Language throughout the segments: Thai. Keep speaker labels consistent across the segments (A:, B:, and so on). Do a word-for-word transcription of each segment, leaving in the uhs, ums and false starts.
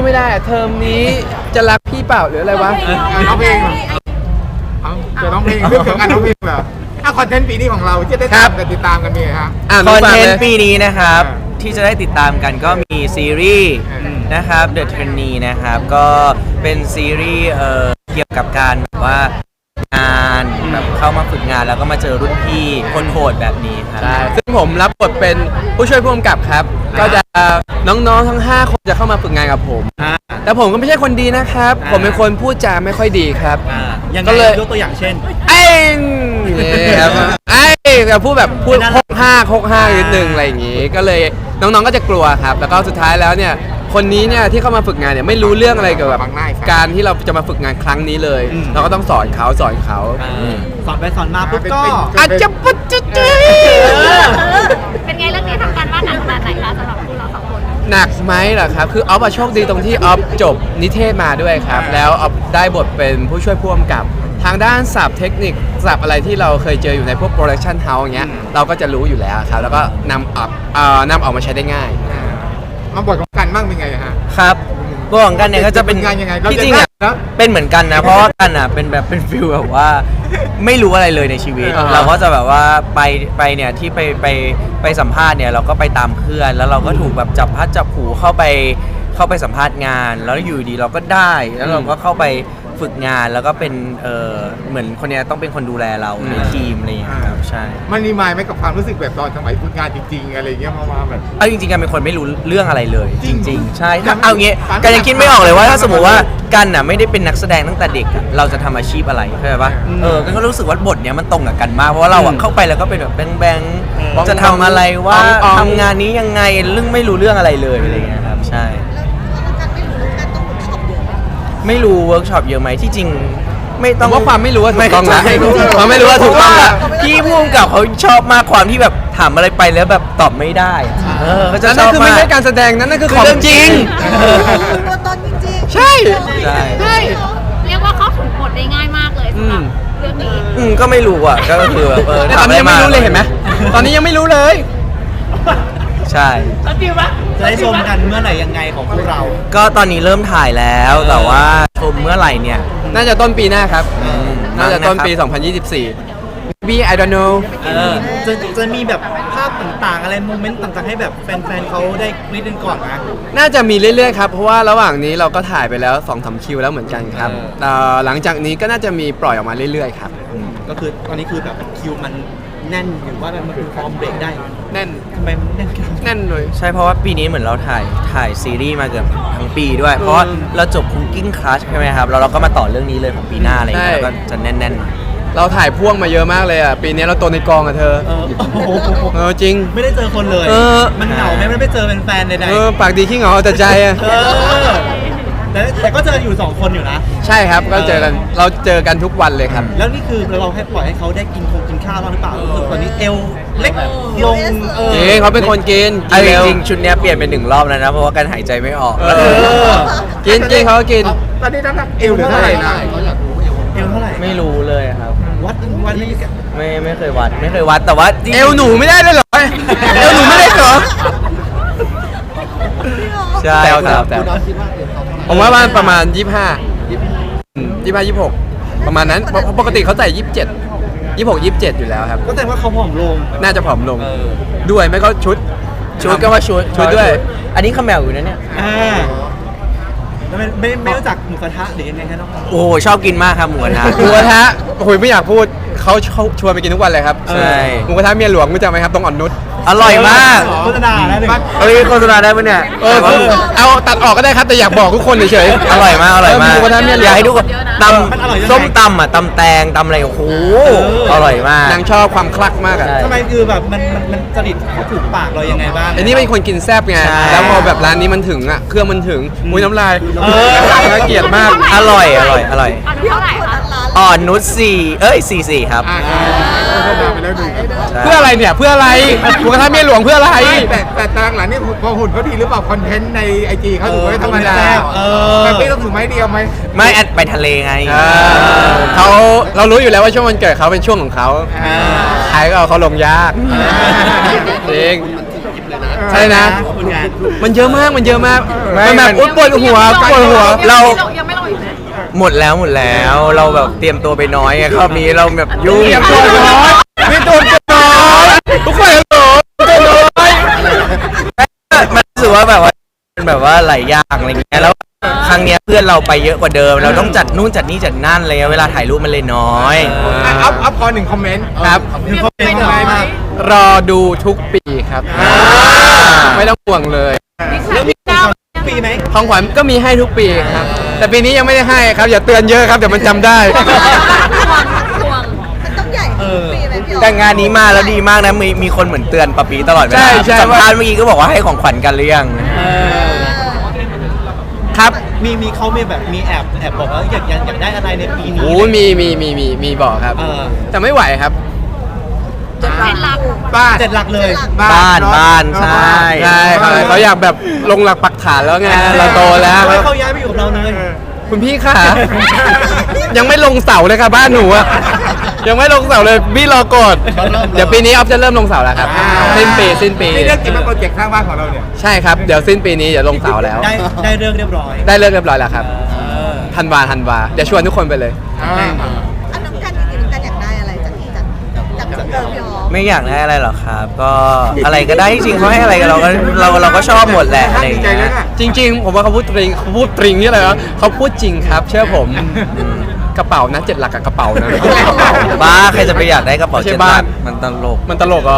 A: ไม่ได้เทอมนี้จะรักพี่เปล่าหรืออะไรวะ
B: ร้องเพลงจะร้องเพลงเรื่องเกี่ยวกับการร้องเพลงแบบถ้าคอนเทนต์ปีนี้ของเราจะได้ตามกันติดตามกันมีครับ
C: คอนเทนต์ปีนี้นะครับที่จะได้ติดตามกันก็มีซีรีส์นะครับ The Trainee นะครับก็เป็นซีรีส์เอ่อเกี่ยวกับการแบบว่างานแบบเข้ามาฝึกงานแล้วก็มาเจอรุ่นพี่คนโหดแบบนี้ครับ
A: ใช่ซึ่งผมรับบทเป็นผู้ช่วยผู้กำกับครับก็จะน้องๆทั้งห้าคนจะเข้ามาฝึกงานกับผมแต่ผมก็ไม่ใช่คนดีนะครับผมเป็นคนพูดจาไม่ค่อยดีครับก็เลยยกตัวอย่างเช่นไอ้ครับไอ้แบบพูดแบบพูดหกห้าหกห้านิดนึงอะไรอย่างงี้ก็เลยน้องๆก็จะกลัวครับแล้วก็สุดท้ายแล้วเนี่ยคนนี้เนี่ยที่เข้ามาฝึกงานเนี่ยไม่รู้เรื่องอะไรเกี่ยวกับการที่เราจะมาฝึกงานครั้งนี้เลยเราก็ต้องสอนเขาสอนเขา
D: สอนไปสอนมาปุ๊บก็
A: อาจจะปุ๊บจุ๊ด
E: เป็นไงเรื่องนี้ทำการบ้านหนักขนาดไหนคะสำหรับพวกเราสองคน
A: หนักไหมเหรอครับคือออฟอะโชคดีตรงที่ออฟจบนิเทศมาด้วยครับแล้วออฟได้บทเป็นผู้ช่วยผู้กำกับทางด้านศัพท์เทคนิคศัพท์อะไรที่เราเคยเจออยู่ในพวกโปรดักชันเฮาส์อย่างเงี้ยเราก็จะรู้อยู่แล้วครับแล้วก็นำออกเอ่อนำออกมาใช้ได้ง่าย
B: มาบทของกันบ้างเป็นไงฮะ
C: ครับบทของกันเนี่ยก็จะเป็นที่จริงอ่ะเป็นเหมือนกันนะเพราะว่ากันอ่ะเป็นแบบเป็นฟิลแบบว่าไม่รู้อะไรเลยในชีวิตเราก็จะแบบว่าไปไปเนี่ยที่ไปไปไปสัมภาษณ์เนี่ยเราก็ไปตามเพื่อนแล้วเราก็ถูกแบบจับพัดจับผูเข้าไปเข้าไปสัมภาษณ์งานแล้วอยู่ดีเราก็ได้แล้วเราก็เข้าไปฝึกงานแล้วก็เป็นเออเหมือนคนนี้ต้องเป็นคนดูแลเราในทีมอะไรอย่างเงี้ยครับใช่
B: มันรีมายไหมกับความรู้สึกแบบตอนสมัยฝึกงานจริงๆอะไรเงี้ยมาแบบ
C: เอาจริงๆกันเป็นคนไม่รู้เรื่องอะไรเลยจริงๆใช่เอางี้กันยังคิดไม่ออกเลยว่าถ้าสมมติว่ากันน่ะไม่ได้เป็นนักแสดงตั้งแต่เด็กเราจะทำอาชีพอะไรเข้าใจปะเออกันก็รู้สึกว่าบทเนี้ยมันตรงกับกันมากเพราะว่าเราเข้าไปแล้วก็เป็นแบบแบงๆจะทำอะไรว่าทำงานนี้ยังไงเรื่องไม่รู้เรื่องอะไรเลยอะไรเงี้ยครับใช่ไม่รู้เวิร์กช็อปเยอะไหมที่จริงไม่ต้อง
A: ว่าความไม่รู้ว่าถูกต้องนะความไม่รู้ว่าถูกต้องนะ
C: พี่พุ่มกับเขาชอบมากความที่แบบถามอะไรไปแล้วแบบตอบไม่ได้เออเขาจะชอบมากนั่น
A: คือไม่ใช่การแสดงนั่นนั่นคือของจริง
E: ตัวตนจริง
A: ใช่
C: ใช่
E: ใช่เรียกว่าเขาถูกบทได้ง่ายมากเลยสำหรับเรื่องนี้
C: อืมก็ไม่รู้อ่ะก็คือเออ
A: ตอนนี้ยังไม่รู้เลยเห็นไหมตอนนี้ยังไม่รู้เลย
C: ใช่
D: จะได้ชมกันเมื่อไหร่ยังไงของพวกเรา
C: ก็ตอนนี้เริ่มถ่ายแล้วแต่ว่าชมเมื่อไหร่เนี่ย
A: น่าจะต้นปีหน้าครับน่าจะต้นปีสองพันยี่สิบสี่ maybe I don't know
D: เออจะจะมีแบบภาพต่างๆอะไรโมเมนต์ต่างๆให้แบบแฟนๆเขาได้กรี๊ดกันก่อนนะ
A: น่าจะมีเรื่อยๆครับเพราะว่าระหว่างนี้เราก็ถ่ายไปแล้ว สองสาม คิวแล้วเหมือนกันครับหลังจากนี้ก็น่าจะมีปล่อยออกมาเรื่อยๆครับ
D: ก็คือตอนนี้คือแบบคิวมันแน่นหรือว่ามันคือพร้อมเบรกได้
A: แน่น
D: ทำไมมันแน่น
A: แน่นเลย
C: ใช่เพราะว่าปีนี้เหมือนเราถ่ายถ่ายซีรีส์มาเกือบทั้งปีด้วยเพราะเราจบ Cooking Class ใช่ไหมครับแล้วเราก็มาต่อเรื่องนี้เลยของปีหน้าอะไรอย่างเงี้ยก็จะแน่นๆ
A: เราถ่ายพ่วงมาเยอะมากเลยอ่ะปีนี้เราตัวในกองอ่ะเธอเออจริง
D: ไม่ได้เจอคนเลยมันเหงาไหมไม่ได้เจอเป็นแฟนใดๆ
A: เออปากดีขี้เหงาแต่ใจอ่ะ
D: แต่แต่ก็เจออยู่สองคนอยู่นะ
A: ใช่ครับก็เจอกันเราเจอกันทุกวันเลยครับ
D: แล้วนี่คือเราให้ปล่อยให้เขาได้กินคงกินข้าวบ้างหรือเปล่าตอนนี้เอวเล็กลง
A: เออเขาเป็นคนกิน
C: จริงๆชุดนี้เปลี่ยนเป็นหนึ่งรอบแล้วนะเพราะว่าการหายใจไม่ออก
A: กินกินเขากิน
B: ตอนนี้น้ำหนักเอวเท่าไหร่นะ
D: เขาอยากรู้เอวเท่าไหร่
C: ไม่รู้เลยครับ
D: วัดวัดไม่
C: ไม่เคยวัดไม่เคยวัดแต่ว่า
A: เอวหนูไม่ได้เลยเหรอเอวหนูไม่ได้เหรอ
C: ใช่ครับแต่
A: ผมว่าประมาณยี่สิบห้า ยี่สิบห้า ยี่สิบหกประมาณนั้นปกติเขาใส่ยี่สิบเจ็ด ยี่สิบหก ยี่สิบเจ็ดอยู่แล้วครับ
D: ก็แสดงว่าเขาผอมลง
A: น่าจะผอมลงด้วยไม่ก็ชุดชุดก็ว่าชุดชุดด้วย
C: อันนี้ขมแมวอยู่นะเนี่ย
D: อ่าแล้วไม่ไม่ไม่รู้จักหมูกระทะหรือยังไงคะน้อง
C: โอ้ชอบกินมากครับหมูกระทะ
A: หมูกระทะโอ้ยไม่อยากพูดเขาชวนไปกินทุกวันเลยครับ
C: ใช่
A: หมูกระทะเมียหลวงรู้จักไหมครับต้องอ่อนนุช
C: อร่อยมาก
D: โฆษณาได้เลย
C: เอ้ยโฆษณาได้ปะเนี่ย
A: เออเอาตัดออกก็ได้ครับแต่อยากบอกทุกคนเฉย
C: ๆอร่อยมากอร่อยมาก
A: หมูกระทะเมียหลวง
C: อยากให้ทุกคนตำส้มตำอ่ะตำแตงตำอะไรโอ้โหอร่อยมาก
A: นางชอบความคลักมากอ่ะ
D: ทำไมคือแบบมันมันมันจริตเขาถูกปากเรายังไงบ้าง
A: อันนี้เป็นคนกินแซ่บไงแล้วพอแบบร้านนี้มันถึงอ่ะเครื่องมันถึงมุ้ยน้ำลายน่าเกลียดมาก
C: อร่อยอร่อยอร่อย
E: เท่าไหร่คะ
C: อ่อนนุชสี่เอ้ยสี่สี่ครับ
A: เพื่ออะไรเนี่ยเพื่ออะไรหมูกระทะเมียหลวงเพื่ออะไร
B: แต่แต่ตารางหลังนี่พอหุ่นเขาดีหรือเปล่าคอนเทนต์ในไอจีเขาถือว่าธรรมดาแต่พี่ต้องถือไม้เดียวไหม
C: ไม่แอดไปทะเลไง
A: เขาเรารู้อยู่แล้วว่าช่วงวันเกิดเขาเป็นช่วงของเขาใครก็เอาเขาลงยากจริงใช่นะ
D: ผลงาน
A: มันเยอะมากมันเยอะมาก
C: ไม่
A: มันแบบ
C: มัน
A: อุ๊ยปวดหัวปวดหัว
C: เรา
E: ยังไม่ลงอีกไหม
C: หมดแล้วหมดแล้วเราแบบเตรียมตัวไปน้อยไงรอบนี้เราแบบยุ่ง
A: เตรียมตัวน้อยมีตัวน้อยทุกคนเหรอตัวน้อย
C: มันรู้สึกว่าแบบว่าเป็นแบบว่าหลายอย่างอะไรเงี้ยแล้วครั้งเนี้ยเพื่อนเราไปเยอะกว่าเดิม เราต้องจัดนู่นจัดนี่จัดนั่นอะไรเงี้ยเวลาถ่ายรูปมันเลยน้อย
B: อ่ะอัพอัพขอหนึ่งคอมเมนต์
A: ครับ
D: หนึ่งคอมเมนต์หน่อย
A: รอดูทุกปีครับ ไม่ต้องห่วงเลย
D: แล้วมีของปีไหม
A: ของขวัญก็มีให้ทุกปีครับ แต่ปีนี้ยังไม่ได้ให้ครับ อย่าเตือนเยอะครับเดี๋ยวมันจำได้
E: ทวงทวง
F: มันต้องใหญ่
D: เออ
F: ปีไหมพี่โอ๊
C: แต่งานนี้มาแล้วดีมากนะมีมีคนเหมือนเตือนปะปีตลอดเว
A: ใช่
C: ลา
A: ใช่
C: สัมภาษณ์เมื่อกี้ก็บอกว่าให้ของขวัญกันหรือยัง
D: เออ
A: ครับ
D: มีมีเขามีแบบมีแอบแอบบอกว่าอยากอยากอยากได้อะไรในปีนี้
A: โอ้มีมีมีมีมีบอกครับ
D: เออ
A: แต่ไม่ไหวครับ
E: เป็นรัก
B: บ้าน
D: เจ็ดหลักเลย
C: บ้านบ้านใช่
A: ใช่เขาเขาอยากแบบลงหลักปักฐานแล้วไงเราโตแล้ว
D: ให้เขาย้ายไปอยู่กับเราเลย
A: คุณพี่ค่ะ ยังไม่ลงเสาเลยค่ะบ้านหนูอะยังไม่ลงเสาเลยพี่รอกดเดี๋ยวปีนี้ออฟจะเริ่มลงเสาแล้วครับ
B: อ่า
A: สิ้นปีสิ้นปี
B: นี่เรื่องจริงเป็นโปรเจกต์ข้างบ้านของเราเนี่ย
A: ใช่ครับเดี๋ยวสิ้นปีนี้เดี๋ยวลงเสาแล้ว
D: ได้ได้เรื่องเรียบร้อย
A: ได้เลิกเรียบร้อยแล้วครับ
D: เออ
A: ธันวาธันวาเดี๋ยวชวนทุกคนไปเลย
B: อ่า
F: อันน้ำกันจริงๆน้ำกันอยากได้อะไรจากจากจากจากเดิมพี่โอ๊ค
C: ไม่อยากได้อะไรหรอกครับ ก็อะไรก็ได้จริงๆเขาให้อะไรกับเราก็เราเราก็ชอบหมดแหละอะไรอย่าง
B: ใจ
C: เงี้
B: เลย
C: ย
B: นะ
A: จริง ๆ ผมว่าเขาพูดตริงเขาพูดตริงนี่อะไรวะเขาพูดจริงครับ เชื่อผมกระเป๋านะเจ็ดหลักกับกระเป๋านะกระเป๋า
C: บ้าใครจะไปอยากได้กระเป๋า
A: ไม่ใช่
C: เจ็ด
A: บ้า
C: บาท
A: น
C: มันตลก
A: มันตลกเหรอ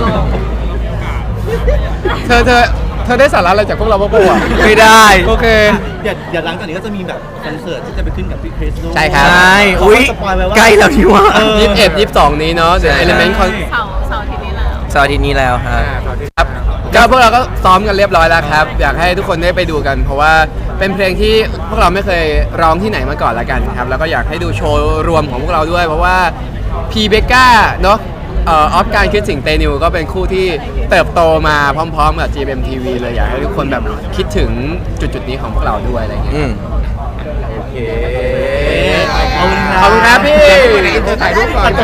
A: เธอเธอเธอได้สาระอะไรจากพวกเราบ้างปะวะ
C: ไม่ได้
A: โอเค
D: เดี๋ยวเดี๋ยวหลังจากนี้ก็จะมีแบบคอนเสิร์ตที่จะไปขึ้นกับพี่คริสด้วย
A: ใช่ครับ
C: ใช่
D: เขา
C: อุ้ย
D: ก็สปอยไว้ว่า
C: ใกล้แล้วนี่ว่า
D: เออ
A: ยี่สิบเอ็ดยี่สิบสองนี้เนาะเดี๋ยว
C: ใช่
A: เอลิเมนต์คอน
E: เสาเสาร์อาทีนี้แล้ว
C: เสาร์อาทิตย์นี้แล้วครับ
A: ครับก็พวกเราก็ซ้อมกันเรียบร้อยแล้วครับ อยากให้ทุกคนได้ไปดูกัน เพราะว่าเป็นเพลงที่พวกเราไม่เคยร้องที่ไหนมาก่อนละกันครับ แล้วก็อยากให้ดูโชว์รวมของพวกเราด้วย เพราะว่าพีเบก้าเนาะเออฟการคิดสิ่งเตนิวก็เป็นคู่ที่เติบโตมาพร้อมๆกับ จี เอ็ม ที วี เลยอยากให้ทุกคนแบบคิดถึงจุดๆนี้ของพวกเราด้วยอะไรอย่างเงี้ย
C: อืม
A: ขอบคุณครับพี่
B: ถ่ายรูปก่อน